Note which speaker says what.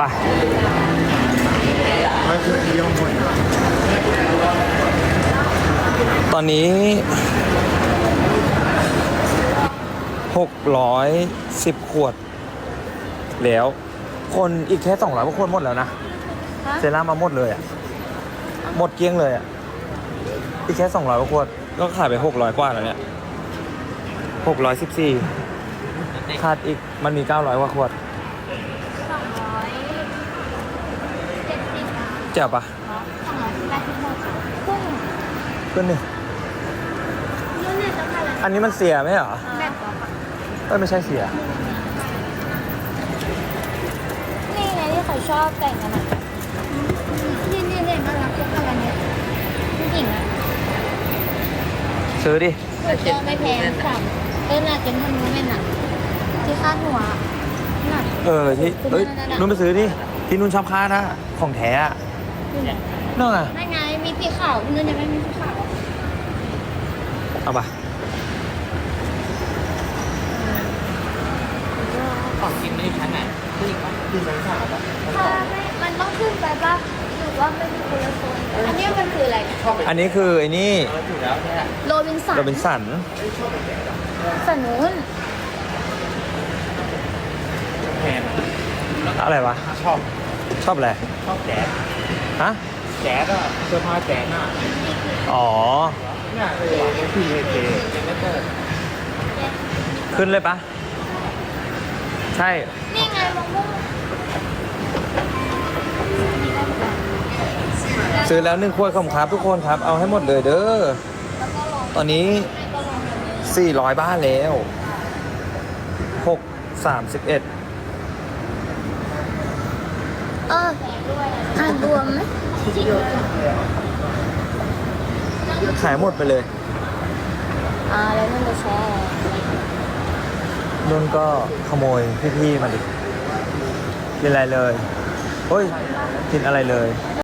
Speaker 1: ไปตอนนี้610 ขวดแล้วคนอีกแค่200 กว่าคนหมดแล้วนะเซรั่มมาหมดเลยอ่ะหมดเกลี้ยงเลยอ่ะอีกแค่200 กว่าขวดก็ขายไป600 กว่าแล้วเนี่ย614ขาดอีกมันมี900 กว่าขวด
Speaker 2: 270
Speaker 1: เจ๋วปะ
Speaker 2: 286พุ่ง
Speaker 1: ขึ้นนี่
Speaker 2: นู่นเนี่ยจะมาแล้ว
Speaker 1: อันนี้มันเสียไหมเหรอ
Speaker 2: แบบ
Speaker 1: ไม่ใช่เสีย
Speaker 2: นี่ไงที่เขาชอบแต่งกันอ่ะนี่น่ารักทุกคนเนี่ยผู้หญิงอ่ะ
Speaker 1: ซื้อดิ
Speaker 2: ถูกก็ไม่แพงค่ะน่าจะมันรู้ไหมน่ะที่คาดหัวน่ะ
Speaker 1: ที่เอ้ยนุ่นไปซื้อดิที่นุ่นชอบค่านะของแท้อะนั่นไง
Speaker 2: ไม่ไงมีสีขาวนู่นยังไม่มีสีขาว
Speaker 1: เอาปะ
Speaker 3: ของกินไม่ได้ชั้นไหนขึ้นอีกปะขึ้นชั้นสามปะ
Speaker 2: ถ้าไม่มันต้องขึ้นไปป่ะหรือว่าไม่มีคนละโซนอันนี้มันคืออะไรเนี่ย
Speaker 1: อันนี้คือไอ้นี่
Speaker 3: ถูกแล้วใช่ไหม
Speaker 2: โรบินสัน
Speaker 1: โรบินสัน
Speaker 2: สันนู้น
Speaker 3: แพง
Speaker 1: อะไรวะ
Speaker 3: ชอบ
Speaker 1: ชอบอะไร
Speaker 3: ชอบแจ๊ส
Speaker 1: ฮะ
Speaker 3: แจ๊สอะเสื้อผ้าแจ๊สอะ
Speaker 1: อ๋อ
Speaker 3: เนี่ยคือเอยังไม่เปิด
Speaker 1: ขึ้นเลยปะใช่
Speaker 2: นี่ไงมะม่วง
Speaker 1: ซื้อแล้ว1 ขวดของครับทุกคนครับ เอาให้หมดเลยเด้อ
Speaker 2: แล้วก็ลอง
Speaker 1: ตอนนี้
Speaker 2: ก็ลองแบบนี้
Speaker 1: 400 บ้านแล้ว631
Speaker 2: อ่านรวมไหม
Speaker 1: ขายหมดไปเลย
Speaker 2: แล้วมันจะแชร์
Speaker 1: นุ่นก็ขโมยพี่ๆมาดิ กินอะไรเลย เฮ้ย กินอะไรเลย